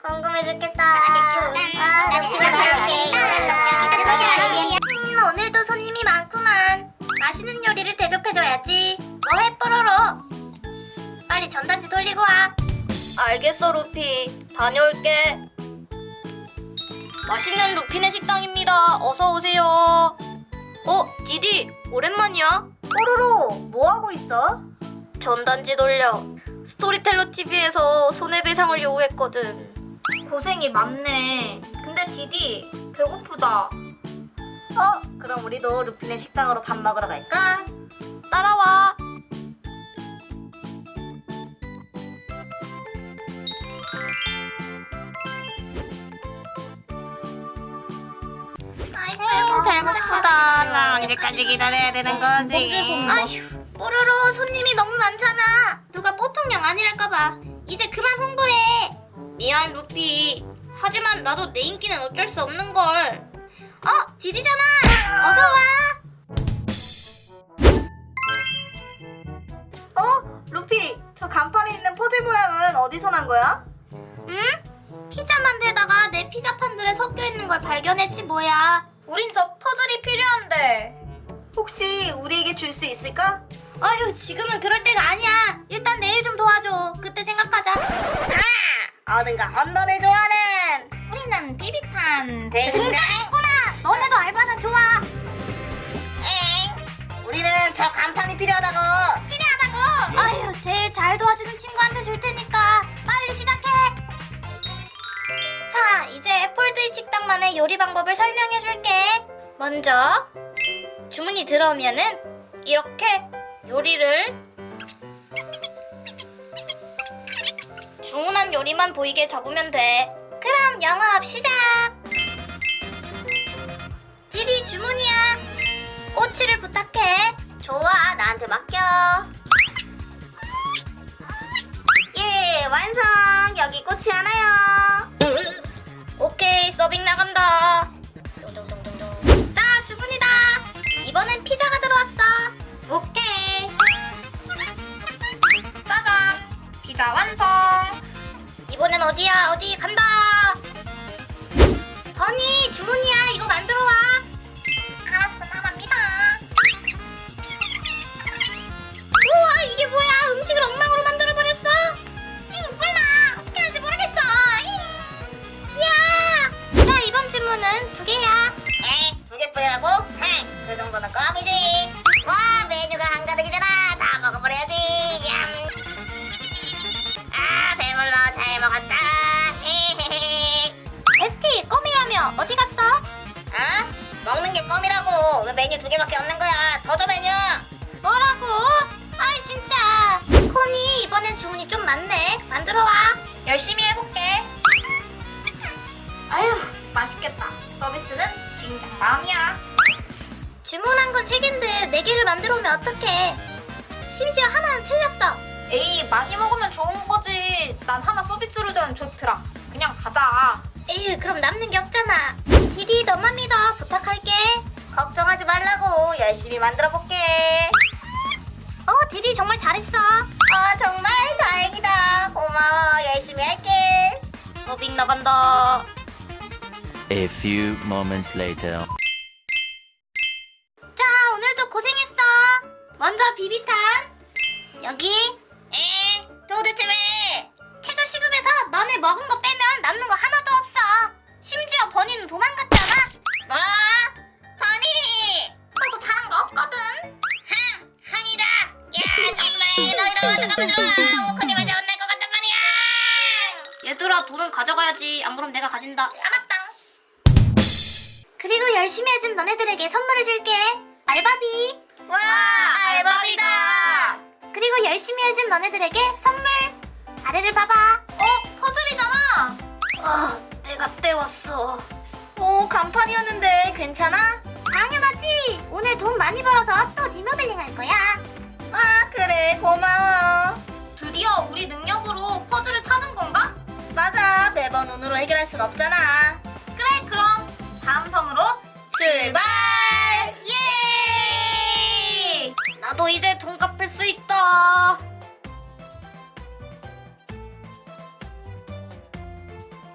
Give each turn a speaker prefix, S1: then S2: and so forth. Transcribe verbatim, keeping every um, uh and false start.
S1: 궁금해 죽겠다. 아, 루피가 맛있게. 음, 오늘도 손님이 많구만. 맛있는 요리를 대접해줘야지. 뭐해, 뽀로로? 빨리 전단지 돌리고 와.
S2: 알겠어, 루피. 다녀올게. 맛있는 루피네 식당입니다. 어서 오세요. 어, 디디, 오랜만이야.
S1: 뽀로로, 뭐 하고 있어?
S2: 전단지 돌려. 스토리텔러 티비에서 손해배상을 요구했거든. 고생이 많네. 근데 디디, 배고프다.
S1: 어, 그럼 우리도 루피네 식당으로 밥 먹으러 갈까?
S2: 따라와.
S1: 아이고, 배고프다. 나 언제까지 기다려야 되는 거지?
S2: 아휴, 뽀로로 손님이 너무 많잖아. 누가 보통령 아니랄까봐. 이제 그만 홍보해. 미안, 루피. 하지만 나도 내 인기는 어쩔 수 없는걸. 어, 디디잖아. 어서 와.
S1: 어? 루피, 저 간판에 있는 퍼즐 모양은 어디서 난 거야?
S2: 응? 피자 만들다가 내 피자판들에 섞여 있는 걸 발견했지 뭐야. 우린 저 퍼즐이 필요한데.
S1: 혹시 우리에게 줄 수 있을까?
S2: 아휴, 지금은 그럴 때가 아니야. 일단 내일 좀 도와줘. 그때 생각하자.
S1: 아! 어딘가 언더를 좋아하는
S2: 우리는 비비탄
S1: 등장!
S2: 등장했구나. 너네도 알바는 좋아.
S1: 엥! 우리는 저 간판이 필요하다고!
S2: 필요하다고. 아휴, 제일 잘 도와주는 친구한테 줄 테니까 빨리 시작해. 자, 이제 폴드잇 식당만의 요리 방법을 설명해 줄게. 먼저 주문이 들어오면은 이렇게 요리를 주문한 요리만 보이게 적으면 돼. 그럼 영업 시작. 디디 주문이야. 꼬치를 부탁해.
S1: 좋아, 나한테 맡겨. 예, 완성! 여기 꼬치 하나요.
S2: 오케이, 서빙 나간다. 쫑쫑쫑쫑쫑. 자, 주문이다. 이번엔 피자가 들어왔어. 오케이. 짜잔, 피자 완성. 이번엔 어디야? 어디 간다. 버니, 주문이야. 이거 만들어 와. 알았어, 나갑니다. 우와, 이게 뭐야? 음식을 엉망으로 만들어 버렸어. 잉, 몰라. 어떻게 하는지 모르겠어. 잉. 야! 자, 이번 주문은 두 개야.
S1: 에이, 두 개뿐이라고? 헤, 그 정도는 껌이지. 와, 메뉴가 한가득이잖아. 다 먹어버려야지. 얌. 아, 배불러. 잘 먹었다. 헤헤헤.
S2: 에티, 껌이라며 어디 갔어?
S1: 아? 먹는 게 껌이라고. 왜 메뉴 두 개밖에 없는 거야? 더 줘, 메뉴.
S2: 뭐라고? 아이, 진짜. 코니, 이번엔 주문이 좀 많네. 만들어 와. 열심히 해볼게. 아휴, 맛있겠다. 서비스는 주인장 마음이야. 주문한 건 세 개인데 네 개를 만들어 오면 어떡해. 심지어 하나는 틀렸어.
S3: 에이, 많이 먹으면 좋은 거지. 난 하나 서비스로 주면 좋더라. 그냥 가자.
S2: 에휴, 그럼 남는 게 없잖아. 디디, 너만 믿어. 부탁할게.
S1: 걱정하지 말라고. 열심히 만들어 볼게.
S2: 어, 디디 정말 잘했어.
S1: 아, 정말 다행이다. 고마워. 열심히 할게.
S2: 서빙 나간다.
S4: A few moments later.
S2: 자, 오늘도 고생했어. 먼저 비비탄. 여기.
S1: 에? 도대체 왜?
S2: 최저 시급에서 너네 먹은 거 빼면 남는 거 하나도 없어. 심지어 버니는 도망갔잖아.
S1: 뭐? 버니!
S2: 너도 잘한 거 없거든.
S1: 항! 항이다! 야, 정말 너 이러면 어떡하면 오크님한테 혼날 것 같단 말이야!
S2: 얘들아, 돈은 가져가야지. 안 그럼 내가 가진다. 알았다. 그리고 열심히 해준 너네들에게 선물을 줄게. 알바비.
S1: 와, 알바비다!
S2: 그리고 열심히 해준 너네들에게 선물. 아래를 봐봐. 어, 퍼즐이잖아. 아, 내가 때웠어.
S1: 오, 간판이었는데 괜찮아?
S2: 당연하지. 오늘 돈 많이 벌어서 또 리모델링 할 거야.
S1: 아, 그래, 고마워.
S3: 드디어 우리 능력으로 퍼즐을 찾은 건가?
S1: 맞아, 매번 운으로 해결할 순 없잖아.
S3: 그래, 그럼 다음 섬으로
S1: 출발!
S2: 예! 나도 이제 돈 갚을 수 있다.